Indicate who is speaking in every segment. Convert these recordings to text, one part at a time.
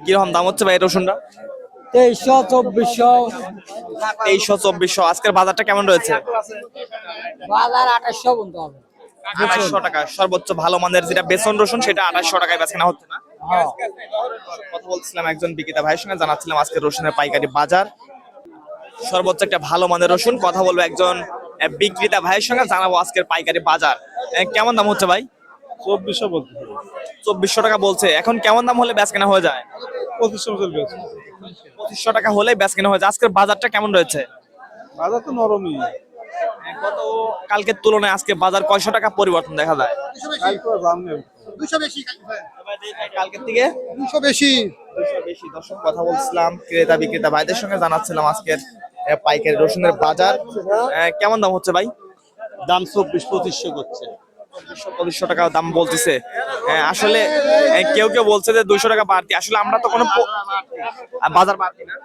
Speaker 1: কিরকম দাম হচ্ছে ভাই এই রসুনটা?
Speaker 2: 2300, 2400।
Speaker 1: 2300 2400। আজকের বাজারটা কেমন রয়েছে?
Speaker 2: বাজার 2800 বলতে হবে।
Speaker 1: 2800 টাকা সর্বোচ্চ ভালো মানের যেটা বেসন রসুন সেটা 2800 টাকায় বেচা কেনা হচ্ছে না?
Speaker 2: হ্যাঁ।
Speaker 1: কথা বলছিলাম একজন বিক্রেতা ভাইয়ের সঙ্গে, জানাচ্ছিলাম আজকে রসুনের পাইকারি বাজার। সর্বোচ্চ একটা ভালো মানের রসুন, কথা বলবো একজন বিক্রেতা ভাইয়ের সঙ্গে, জানাবো আজকের পাইকারি বাজার কেমন দাম হচ্ছে ভাই?
Speaker 3: 2400 বলতে
Speaker 1: 2400 টাকা বলছে। এখন কেমন দাম হলে বেচ কেনা হয়ে যায়?
Speaker 3: 2500 চলবে।
Speaker 1: 2500 টাকা হলে বেচ কেনা হয়ে যায়। আজকের বাজারটা কেমন রয়েছে?
Speaker 3: বাজার তো নরমই।
Speaker 1: গত কালকের তুলনায় আজকে বাজার কয়শো টাকা পরিবর্তন দেখা যায়?
Speaker 3: কালকে দাম নেই।
Speaker 2: 200 বেশি।
Speaker 1: কালকের থেকে
Speaker 2: 200 বেশি।
Speaker 1: বেশি। দর্শক, কথা বলছিলাম ক্রেতা বিক্রেতা ভাইদের সঙ্গে, জানাচ্ছিলাম আজকের পাইকারি রসুনের বাজার কেমন দাম হচ্ছে ভাই?
Speaker 3: দাম 24-2500 করছে।
Speaker 1: 2500 টাকা দাম বলতেছে। আসলে কেউ কেউ বলছে যে 200 টাকা বাড়তি। আসলে আমরা তো কোনো বাজার বাড়তি না।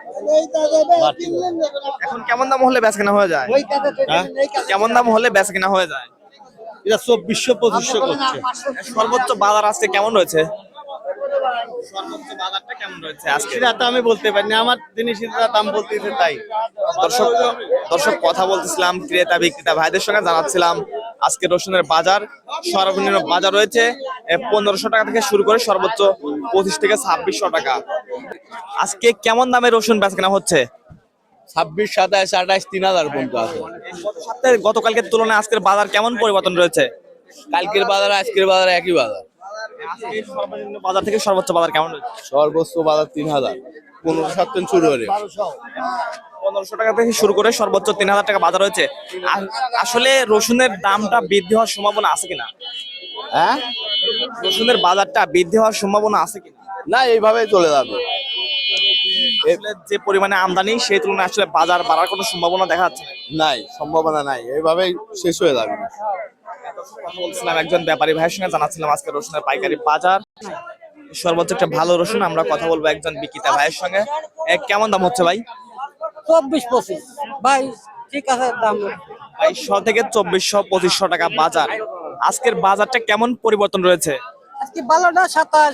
Speaker 1: এখন কেমন দাম হলে বেচা কেনা হয়ে যায়? কেমন দাম হলে বেচা কেনা হয়ে যায়?
Speaker 3: এটা 2400-2500 করছে।
Speaker 1: সর্বোচ্চ বাজার আজকে কেমন রয়েছে? সর্বোচ্চ বাজারটা কেমন রয়েছে আজকে?
Speaker 3: সেটা তো আমি বলতে পারি না, আমার জিনিসের দাম বলতেছে তাই।
Speaker 1: দর্শক কথা বলতেছিলাম ক্রেতা বিক্রেতা ভাইদের সঙ্গে, জানাচ্ছিলাম আজকে রসুনের বাজার সর্বনিম্ন বাজার রয়েছে 1500 টাকা থেকে শুরু করে সর্বোচ্চ 25 থেকে 2600 টাকা। আজকে কেমন দামে রসুন বেচা কেনা হচ্ছে?
Speaker 3: 26, 27, 28, 3000 পর্যন্ত আছে।
Speaker 1: গত সপ্তাহে গতকালকের তুলনায় আজকের বাজার কেমন পরিবর্তন রয়েছে?
Speaker 3: কালকের বাজার আজকের বাজার একই বাজার।
Speaker 1: আজকে সর্বনিম্ন বাজার থেকে সর্বোচ্চ বাজার কেমন রয়েছে?
Speaker 3: সর্বোচ্চ বাজার 3000, 15-7 শুরু হলে
Speaker 1: 1500 টাকা থেকে শুরু করে সর্বোচ্চ 3000 টাকা বাজার রয়েছে। আসলে রসুনের দামটা বৃদ্ধি হওয়ার সম্ভাবনা আছে কিনা?
Speaker 3: হ্যাঁ,
Speaker 1: রসুনের বাজারটা বৃদ্ধি হওয়ার সম্ভাবনা আছে কিনা?
Speaker 3: না এইভাবেই চলে যাবে।
Speaker 1: আসলে যে পরিমাণে আমদানি সেই তুলনায় আসলে বাজার বাড়ার কোনো সম্ভাবনা দেখা যাচ্ছে না।
Speaker 3: নাই, সম্ভাবনা নাই, এইভাবেই শেষ হয়ে যাবে।
Speaker 1: কথা বলছিলাম একজন ব্যাপারী ভাইয়ের সঙ্গে, জানাচ্ছিলাম আজকে রসুনের পাইকারি বাজার সর্বোচ্চ একটা ভালো রসুন। আমরা কথা বলবো একজন বিক্রেতা ভাইয়ের সঙ্গে। কেমন দাম হচ্ছে ভাই?
Speaker 2: 24-25 ভাই, ঠিক আছে দাম।
Speaker 1: 2200 থেকে 2400-2500 টাকা বাজার। আজকের বাজারটা কেমন পরিবর্তন রয়েছে?
Speaker 2: আজকে বাজারটা 27,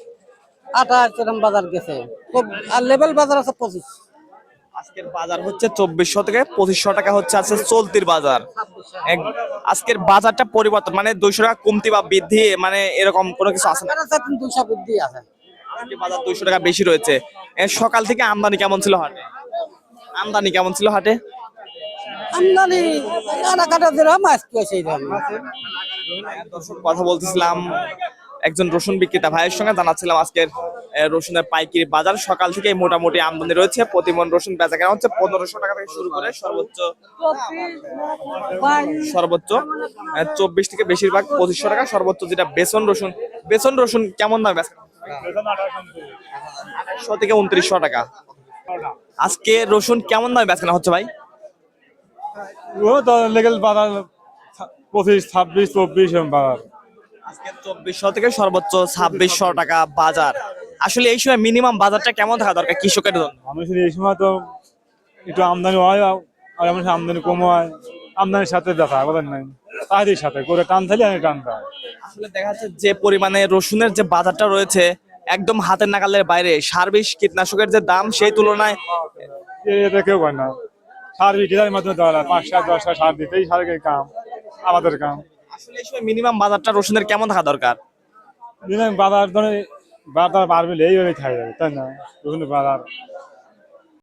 Speaker 2: 28 এরকম বাজার গেছে। আর লেভেল বাজার আছে 25।
Speaker 1: আজকের বাজার হচ্ছে 2400 থেকে 2500 টাকা হচ্ছে আছে চলতির বাজার। আজকের বাজারটা পরিবর্তন মানে 200 টাকা কমতি বা বৃদ্ধি মানে এরকম কোনো কিছু আছে না?
Speaker 2: 200 বৃদ্ধি আছে।
Speaker 1: আজকে বাজার 200 টাকা বেশি রয়েছে। সকাল থেকে আমদানি কেমন ছিল হাটে? আমদানি কেমন ছিল হাটে?
Speaker 2: আমদানি কাটা দিলাম আজকে সেই দাম।
Speaker 1: দর্শক, কথা বলতেছিলাম একজন রসুন বিক্রেতা ভাইয়ের সঙ্গে, জানাচ্ছিলাম আজকের রসুনের পাইকারি বাজার সকাল থেকে মোটামুটি আমদানি রয়েছে। প্রতি মণ রসুন বেচা কেনা হচ্ছে 1500 টাকা থেকে শুরু করে সর্বোচ্চ 24 থেকে বেশিরভাগ 2500 টাকা। সর্বোচ্চ যেটা বেসন রসুন কেমন দাম বেচা? 2800 থেকে 2900 টাকা। আজকে রসুন কেমন দামে বেচা কেনা হচ্ছে ভাই?
Speaker 3: লেগেল বাজার 25, 26, 24 এরকম বাজার।
Speaker 1: আজকে 2400 থেকে সর্বোচ্চ 2600 টাকা বাজার। আসলে এই সময় মিনিমাম বাজারটা কেমন থাকা দরকার কৃষকের জন্য?
Speaker 3: আমি শুধু এই সময় তো একটু আমদানি হয়, আর এমন আমদানি কম হয়, আমদানির সাথে দেখা বলেন নাই, তাদের সাথে করে টান থালি আমি টান পাই।
Speaker 1: আসলে দেখা যাচ্ছে যে পরিমাণে রসুনের যে বাজারটা রয়েছে একদম হাতের নাগালের বাইরে। সার্ভিস কীটনাশকের যে দাম সেই তুলনায়
Speaker 3: এটা কেউ পায় না। সার বিক্রির মাধ্যমে দেওয়া হয় 5 টাকা 10 টাকা সার দিতেই সারের কাম, আমাদের কাম।
Speaker 1: আসলে এই সময় মিনিমাম বাজারটা রসুনের কেমন থাকা দরকার?
Speaker 3: বাজার ধরে বাজার বাড়বে এইভাবে খাই যাবে, তাই না? রসুনের বাজার